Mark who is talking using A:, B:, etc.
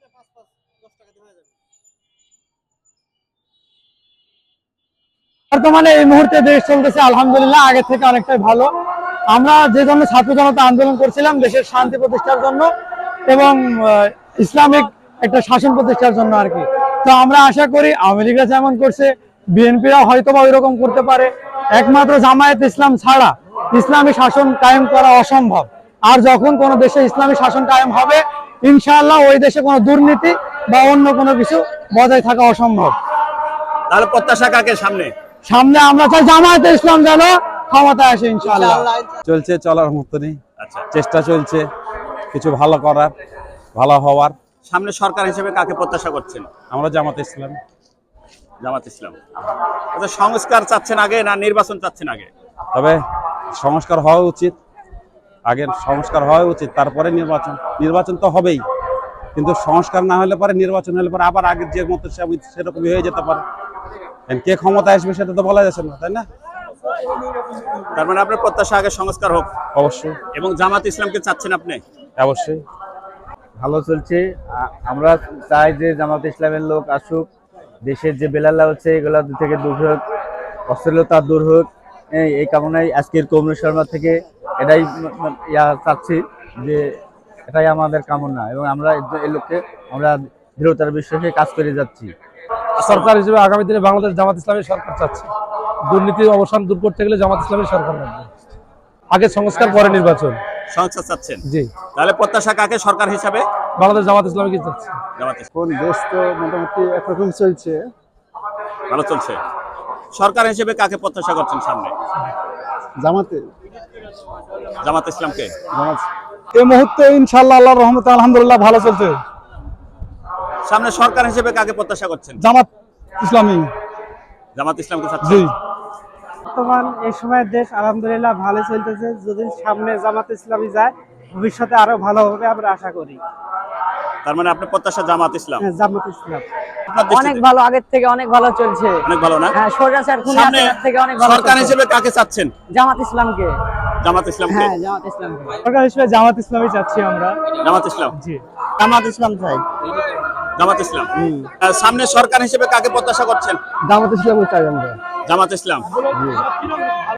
A: বর্তমানে এই মুহূর্তে দেশ চলতেছে আলহামদুলিল্লাহ আগের থেকে অনেকটাই ভালো। আমরা যে জন্য ছাত্র জনতা আন্দোলন করছিলাম দেশের শান্তি প্রতিষ্ঠার জন্য এবং ইসলামিক একটা শাসন প্রতিষ্ঠার জন্য আর কি। তো আমরা আশা করি আওয়ামী লীগরা যেমন করছে বিএনপিরা হয়তো বা ওইরকম করতে পারে। একমাত্র জামায়াত ইসলাম ছাড়া ইসলামী শাসন কায়েম করা অসম্ভব। আর যখন কোনো দেশে ইসলামী শাসন কায়েম হবে ইনশাআল্লাহ ওই দেশে কোনো দুর্নীতি বা অন্য কোনো কিছু বজায় থাকা অসম্ভব।
B: তাহলে প্রত্যাশা কাকে সামনে?
A: সামনে আমরা চাই জামায়াতে ইসলাম যেন ক্ষমতায় আসে ইনশাআল্লাহ।
C: চলছে চলার মতনই, চেষ্টা চলছে কিছু ভালো করার, ভালো হওয়ার।
B: সামনে সরকার হিসেবে কাকে প্রত্যাশা করছেন?
C: আমরা জামাত ইসলাম।
B: জামাত ইসলাম। আচ্ছা, সংস্কার চাচ্ছেন আগে না নির্বাচন চাচ্ছেন আগে?
C: তবে সংস্কার হওয়া উচিত, আগের সংস্কার হওয়া উচিত, তারপরে নির্বাচন। নির্বাচন তো হবেই, কিন্তু সংস্কার না হলে পরে নির্বাচন হলে পরে আবার আগের যে মতো সেরকমই হয়ে যেতে পারে। কে ক্ষমতায় আসবে সেটা তো বলা যাচ্ছে না, তাই না?
B: তার মানে আপনার প্রত্যাশা আগে সংস্কার হোক।
C: অবশ্যই।
B: এবং জামাত ইসলামকে চাচ্ছেন আপনি?
C: অবশ্যই।
D: ভালো চলছে। আমরা চাই যে জামাত ইসলামের লোক আসুক, দেশের যে বেলাল্লা হচ্ছে এগুলা থেকে দূর হোক, অশ্লীলতা দূর হোক। এই কামনায় আজকের কমরু শর্মা থেকে এটাই চাচ্ছি যে এটাই আমাদের কামনা এবং আমরা এই লোককে আমরা দৃঢ়তার বিশ্বাসে কাজ করে যাচ্ছি।
A: সরকার হিসেবে আগামী দিনে বাংলাদেশ জামাত ইসলামের সরকার চাচ্ছে। দুর্নীতির অবসান দূর করতে গেলে জামাত ইসলামের সরকার লাগবে। আগে সংস্কার পরে নির্বাচন।
B: সংস্কার চাচ্ছেন?
A: জি।
B: তাহলে প্রত্যাশা কাকে সরকার হিসাবে?
A: বাংলাদেশ জামাত ইসলামকে চাচ্ছে।
B: জামাত ইসলাম।
E: কোন দেশ তো মোটামুটি একরকম চলছে,
B: ভালো চলছে। সরকার হিসেবে কাকে প্রত্যাশা করছেন সামনে?
E: জামাতে
B: জামাত ইসলামকে।
E: এই মুহূর্তে ইনশাআল্লাহ আল্লাহর রহমতে আলহামদুলিল্লাহ ভালো চলছে।
B: সামনে সরকার হিসেবে কাকে প্রত্যাশা করছেন?
E: জামাত ইসলামী।
B: জামাত ইসলামকে চাচ্ছেন?
E: জি।
F: বর্তমান এই সময় দেশ আলহামদুলিল্লাহ ভালো চলতেছে। যদি সামনে জামাত ইসলামী যায় ভবিষ্যতে আরো ভালো হবে আমরা আশা করি।
B: তার মানে আপনার প্রত্যাশা জামাত ইসলাম?
F: জামাত ইসলাম
G: অনেক ভালো, আগের থেকে অনেক ভালো চলছে।
B: অনেক ভালো না?
G: হ্যাঁ, স্বৈরাচার থেকে অনেক ভালো।
B: সরকার হিসেবে কাকে চাচ্ছেন?
G: জামাত ইসলামকে।
B: জামাত ইসলামকে?
G: হ্যাঁ, জামাত ইসলামকে।
A: সরকার হিসেবে জামাত ইসলামই চাচ্ছি আমরা।
B: জামাত ইসলাম।
A: জি।
G: জামাত ইসলাম চাই।
B: জামাত ইসলাম। সামনে সরকার হিসেবে কাকে প্রত্যাশা করছেন?
E: জামাত ইসলামী চাই আমরা।
B: জামাত ইসলাম।